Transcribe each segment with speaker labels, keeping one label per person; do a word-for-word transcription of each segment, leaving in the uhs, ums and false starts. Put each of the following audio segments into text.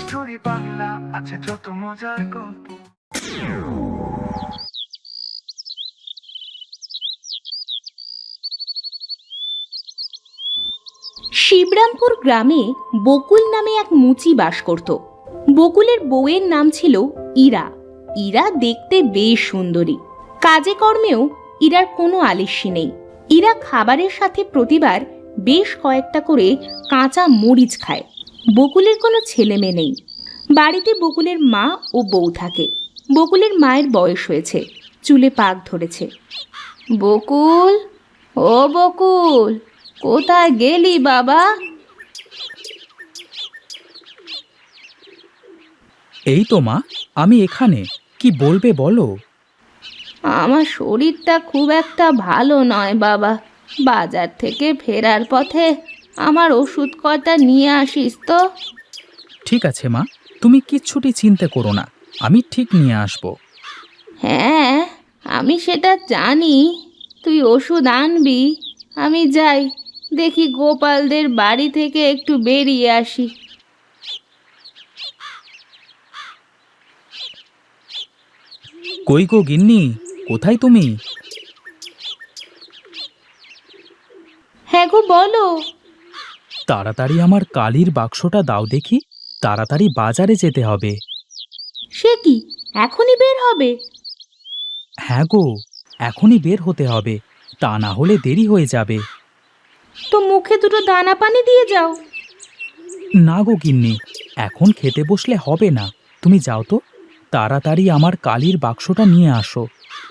Speaker 1: Story Bangla আছে যত মজার গল্প।
Speaker 2: শিবরামপুর গ্রামে বকুল নামে এক মুচি বাস করত। বকুলের বউয়ের নাম ছিল ইরা। ইরা দেখতে বেশ সুন্দরী, কাজে কর্মেও ইরার কোনো আলিস্যি নেই। ইরা খাবারের সাথে প্রতিবার বেশ কয়েকটা করে কাঁচা মরিচ খায়। বকুলের কোনো ছেলে মেয়ে নেই। বাড়িতে বকুলের মা ও বউ থাকে। বকুলের মায়ের বয়স হয়েছে, চুলে পাক ধরেছে। বকুল, ও বকুল, কোথায় গেলি বাবা?
Speaker 3: এই তো মা, আমি এখানে। কি বলবে বলো।
Speaker 2: আমার শরীরটা খুব একটা ভালো নয় বাবা। বাজার থেকে ফেরার পথে আমার ওষুধ কটা নিয়ে আসিস তো।
Speaker 3: ঠিক আছে মা, তুমি কিচ্ছুটি চিন্তা করো না, আমি ঠিক নিয়ে আসবো।
Speaker 2: হ্যাঁ, আমি সেটা জানি। তুই ওষুধ আনবি। আমি যাই, দেখি গোপালদের বাড়ি থেকে একটু বেরিয়ে আসি।
Speaker 3: কই গো গিন্নি, কোথায় তুমি?
Speaker 2: হ্যাঁ গো, বলো।
Speaker 3: তাড়াতাড়ি আমার কালির বাক্সটা দাও দেখি, তাড়াতাড়ি বাজারে যেতে হবে।
Speaker 2: সে কি, এখনই বের হবে?
Speaker 3: হ্যাঁ গো, এখনই বের হতে হবে, তা না হলে দেরি হয়ে যাবে।
Speaker 2: তো মুখে দুটো দানা পানি দিয়ে যাও।
Speaker 3: না গো গিন্নি, এখন খেতে বসলে হবে না। তুমি যাও তো, তাড়াতাড়ি আমার কালির বাক্সটা নিয়ে আসো।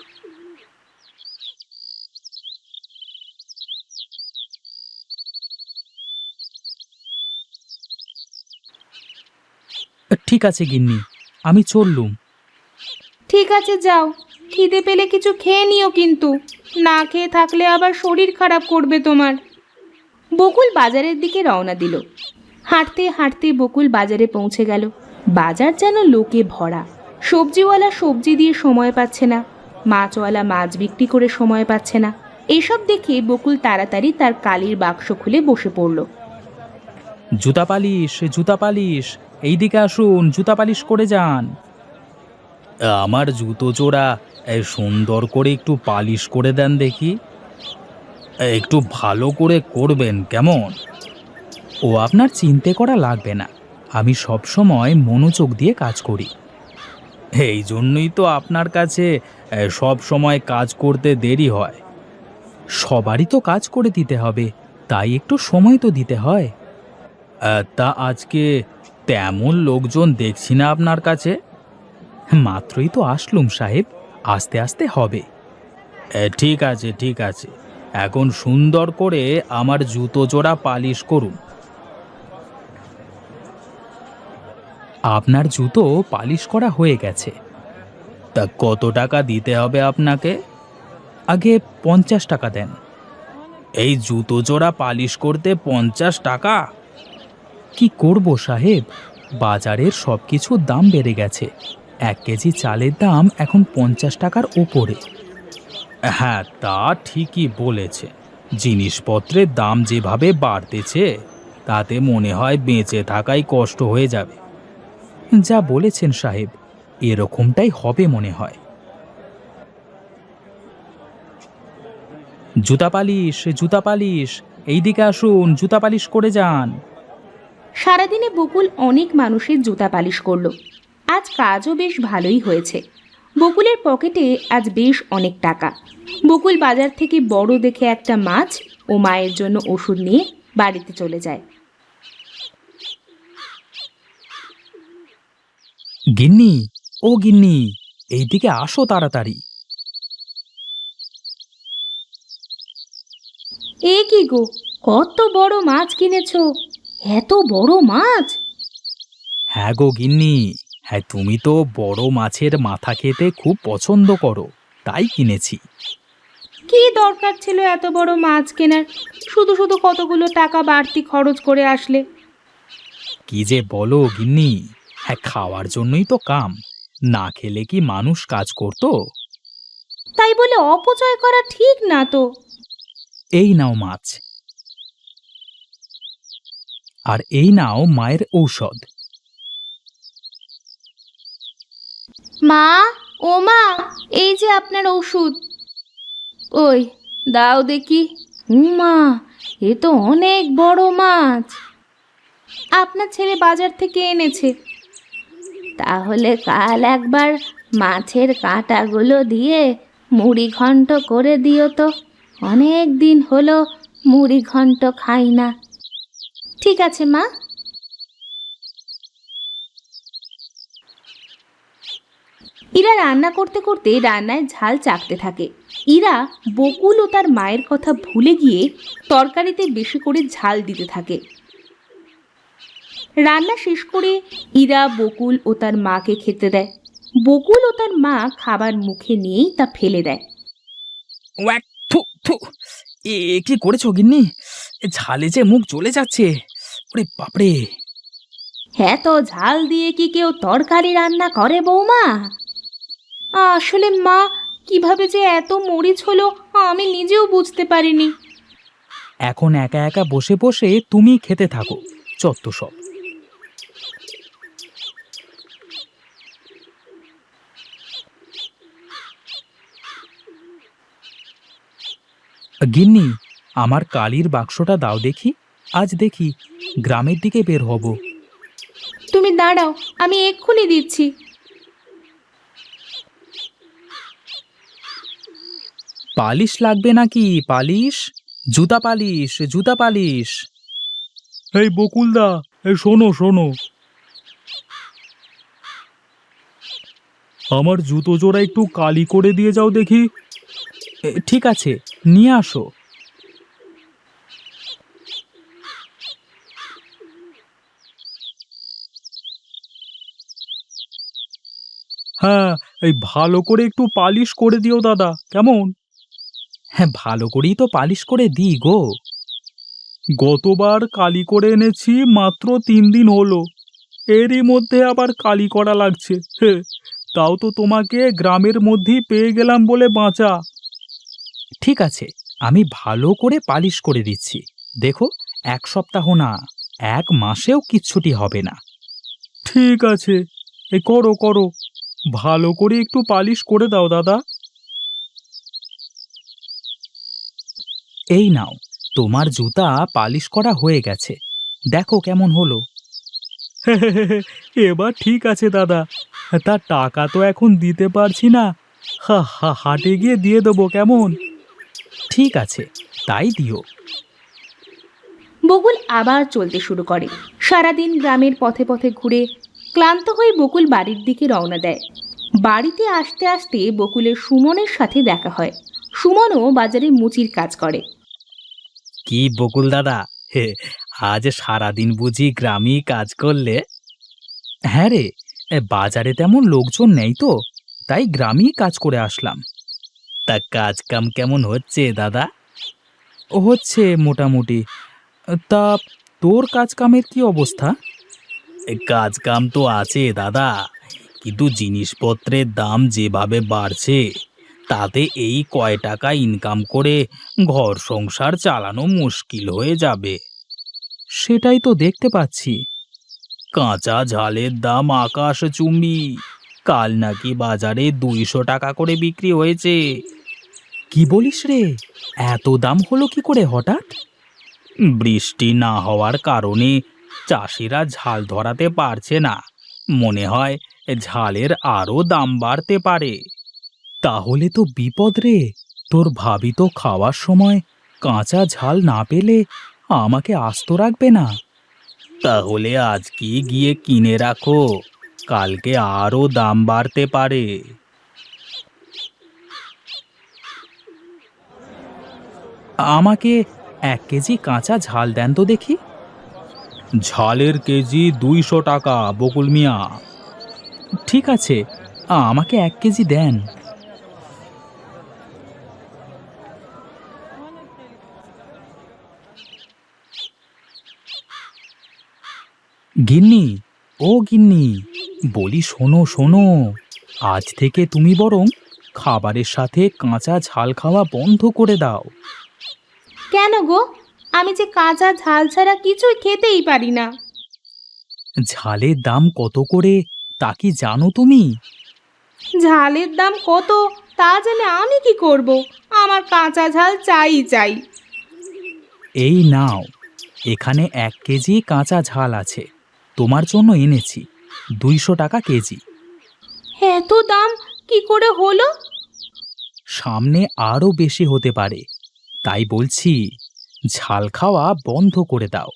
Speaker 3: ঠিক আছে গিন্নি, আমি চললুম।
Speaker 2: ঠিক আছে, যাও। খিদে পেলে কিছু খেয়ে নিও কিন্তু। না খেয়ে থাকলে আবার শরীর খারাপ করবে তোমার। বকুল বাজারের দিকে রওনা দিল। হাঁটতে হাঁটতে বকুল বাজারে পৌঁছে গেল। বাজার যেন লোকে ভরা। সবজিওয়ালা সবজি দিয়ে সময় পাচ্ছে না, মাছওয়ালা মাছ বিক্রি করে সময় পাচ্ছে না। এসব দেখে বকুল তাড়াতাড়ি তার কালির বাক্স খুলে বসে পড়ল।
Speaker 3: জুতা পালিশ, জুতা পালিশ, এইদিকে আসুন, জুতা পালিশ করে যান। আমার জুতো জোড়া এই সুন্দর করে একটু পালিশ করে দেন দেখি। একটু ভালো করে করবেন কেমন? ও আপনার চিন্তা করা লাগবে না, আমি সব সময় মনোযোগ দিয়ে কাজ করি। এই জন্যই তো আপনার কাছে সব সময় কাজ করতে দেরি হয়। সবারই তো কাজ করে দিতে হবে, তাই একটু সময় তো দিতে হয়। আহ, তা আজকে তেমন লোকজন দেখছি না আপনার কাছে। মাত্রই তো আসলুম সাহেব, আস্তে আস্তে হবে। এ, ঠিক আছে ঠিক আছে, এখন সুন্দর করে আমার জুতো জোড়া পালিশ করুন। আপনার জুতো পালিশ করা হয়ে গেছে। তা কত টাকা দিতে হবে আপনাকে? আগে পঞ্চাশ টাকা দেন। এই জুতো জোড়া পালিশ করতে পঞ্চাশ টাকা? কি করব সাহেব, বাজারের সব কিছুর দাম বেড়ে গেছে। এক কেজি চালের দাম এখন পঞ্চাশ টাকার ওপরে। হ্যাঁ, তা ঠিকই বলেছে। জিনিসপত্রের দাম যেভাবে বাড়তেছে, তাতে মনে হয় বেঁচে থাকাই কষ্ট হয়ে যাবে। যা বলেছেন সাহেব, এরকমটাই হবে মনে হয়। জুতা পালিশ, জুতা পালিশ, এইদিকে আসুন, জুতা পালিশ করে যান।
Speaker 2: সারাদিনে বকুল অনেক মানুষের জুতা পালিশ করলো। আজ কাজও বেশ ভালোই হয়েছে। বকুলের পকেটে আজ বেশ অনেক টাকা। বকুল বাজার থেকে বড় দেখে একটা মাছ ও মায়ের জন্য ওষুধ নিয়ে বাড়িতে চলে যায়।
Speaker 3: গিন্নি, ও গিন্নি, এইদিকে আসো তাড়াতাড়ি।
Speaker 2: এ কি গো, কত বড় মাছ কিনেছো? এত বড় মাছ?
Speaker 3: হ্যাঁ গো গিন্নি, হ্যাঁ, তুমি তো বড় মাছের মাথা খেতে খুব পছন্দ করো, তাই কিনেছি।
Speaker 2: কি দরকার ছিল এত বড় মাছ কেনার? শুধু শুধু কতগুলো টাকা বাড়তি খরচ করে আসলে।
Speaker 3: কি যে বলো গিন্নি, হ্যাঁ, খাওয়ার জন্যই তো কাম, না খেলে কি মানুষ কাজ করতো?
Speaker 2: তাই বলে অপচয় করা ঠিক না তো।
Speaker 3: এই নাও মাছ, আর এই নাও মায়ের ঔষধ।
Speaker 2: মা, ও মা, এই যে আপনার ওষুধ। ওই দাও দেখি। মা, এ তো অনেক বড় মাছ। আপনার ছেলে বাজার থেকে এনেছে। তাহলে কাল একবার মাছের কাঁটাগুলো দিয়ে মুড়ি ঘন্ট করে দিও তো। অনেক দিন হলো মুড়ি ঘন্ট খাই না। ঠিক আছে মা। ইরা রান্না করতে করতে রান্নায় ঝাল চাকতে থাকে। ইরা বকুল ও তার মায়ের কথা ভুলে গিয়ে তরকারিতে বেশি করে ঝাল দিতে থাকে। রান্না শেষ করে ইরা বকুল ও তার মাকে খেতে দেয়। বকুল ও তার মা খাবার মুখে নিয়েই তা ফেলে দেয়।
Speaker 3: ওয়াক, থু থু। এ কি করেছো গিন্নি? এ ঝালে যে মুখ জ্বলে যাচ্ছে। ওরে বাপরে!
Speaker 2: হ্যাঁ, তো ঝাল দিয়ে কি কেউ তরকারি রান্না করে বৌমা? আসলে মা, কিভাবে যে এত মরিচ হলো আমি নিজেও বুঝতে পারিনি।
Speaker 3: এখন একা একা বসে বসে তুমি খেতে থাকো, চত্ব সব। গিন্নি, আমার কালির বাক্সটা দাও দেখি। আজ দেখি গ্রামের দিকে বের হব।
Speaker 2: তুমি দাঁড়াও, আমি এক্ষুনি দিচ্ছি।
Speaker 3: পালিশ লাগবে নাকি? পালিশ, জুতা পালিশ, জুতা পালিশ। এই বকুলদা, এই শোনো শোনো, আমার জুতো জোড়া একটু কালি করে দিয়ে যাও দেখি। এ, ঠিক আছে, নিয়ে আসো। হ্যাঁ, এই ভালো করে একটু পালিশ করে দিও দাদা, কেমন? হ্যাঁ, ভালো করেই তো পালিশ করে দিই গো। গতবার কালি করে এনেছি, মাত্র তিন দিন হলো, এরই মধ্যে আবার কালি করা লাগছে। হে, তাও তো তোমাকে গ্রামের মধ্যেই পেয়ে গেলাম বলে বাঁচা। ঠিক আছে, আমি ভালো করে পালিশ করে দিচ্ছি। দেখো, এক সপ্তাহ না, এক মাসেও কিচ্ছুটি হবে না। ঠিক আছে, এ করো করো, ভালো করে একটু পালিশ করে দাও দাদা। এই নাও, তোমার জুতা পালিশ করা হয়ে গেছে, দেখো কেমন হলো। এবার ঠিক আছে দাদা, তার টাকা তো এখন দিতে পারছি না, হা হা হাটে গিয়ে দিয়ে দেবো, কেমন? ঠিক আছে, তাই দিও।
Speaker 2: বকুল আবার চলতে শুরু করে। সারাদিন গ্রামের পথে পথে ঘুরে ক্লান্ত হয়ে বকুল বাড়ির দিকে রওনা দেয়। বাড়িতে আসতে আসতে বকুলের সুমনের সাথে দেখা হয়। সুমনও বাজারে মুচির কাজ করে।
Speaker 3: কি বকুল দাদা, হে, আজ সারাদিন বুঝি গ্রামেই কাজ করলে? হ্যাঁ রে, এ, বাজারে তেমন লোকজন নেই তো, তাই গ্রামেই কাজ করে আসলাম। তা কাজ কাম কেমন হচ্ছে দাদা? ও হচ্ছে মোটামুটি। তা তোর কাজ কামের কি অবস্থা? কাজ কাম তো আছে দাদা, কিন্তু জিনিসপত্রের দাম যেভাবে বাড়ছে, তাতে এই কয় টাকা ইনকাম করে ঘর সংসার চালানো মুশকিল হয়ে যাবে। সেটাই তো দেখতে পাচ্ছি। কাঁচা ঝালের দাম আকাশ চুম্বি, কাল নাকি বাজারে দুইশো টাকা করে বিক্রি হয়েছে। কি বলিস রে, এত দাম হলো কি করে হঠাৎ? বৃষ্টি না হওয়ার কারণে চাষিরা ঝাল ধরাতে পারছে না, মনে হয় ঝালের আরও দাম বাড়তে পারে। তাহলে তো বিপদ রে, তোর ভাবি তো খাওয়ার সময় কাঁচা ঝাল না পেলে আমাকে আস্ত রাখবে না। তাহলে আজকে গিয়ে কিনে রাখো, কালকে আরও দাম বাড়তে পারে। আমাকে এক কেজি কাঁচা ঝাল দেন তো দেখি। ঝালের কেজি দুইশো টাকা বকুল মিয়া। ঠিক আছে, আমাকে এক কেজি দেন। গিন্নি, ও গিন্নি, বলি শোনো শোনো, আজ থেকে তুমি বরং খাবারের সাথে কাঁচা ঝাল খাওয়া বন্ধ করে দাও।
Speaker 2: কেন গো? আমি যে কাঁচা ঝাল ছাড়া কিছুই খেতেই পারি না।
Speaker 3: ঝালের দাম কত করে তা কি জানো তুমি?
Speaker 2: ঝালের দাম কত তা জেনে আমি কি করব? আমার কাঁচা ঝাল চাই চাই।
Speaker 3: এই নাও, এখানে এক কেজি কাঁচা ঝাল আছে, তোমার জন্য এনেছি, দুইশো টাকা কেজি।
Speaker 2: এত দাম কি করে হলো?
Speaker 3: সামনে আরও বেশি হতে পারে, তাই বলছি ঝাল খাওয়া বন্ধ করে দাও।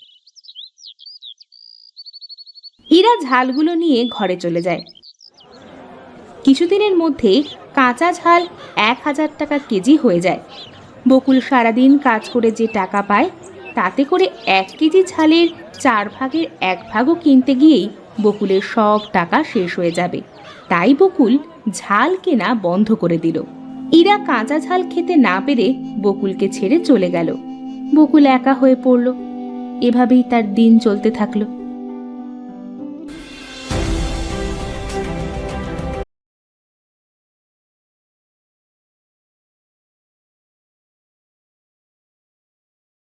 Speaker 2: ইরা ঝালগুলো নিয়ে ঘরে চলে যায়। কিছুদিনের মধ্যে কাঁচা ঝাল এক হাজার টাকা কেজি হয়ে যায়। বকুল সারাদিন কাজ করে যে টাকা পায় তাতে করে এক কেজি ঝালের চার ভাগের এক ভাগও কিনতে গিয়েই বকুলের সব টাকা শেষ হয়ে যাবে। তাই বকুল ঝাল কেনা বন্ধ করে দিল। ইরা কাঁচা ঝাল খেতে না পেরে বকুলকে ছেড়ে চলে গেল। বকুল একা হয়ে পড়ল। এভাবেই তার দিন চলতে থাকলো।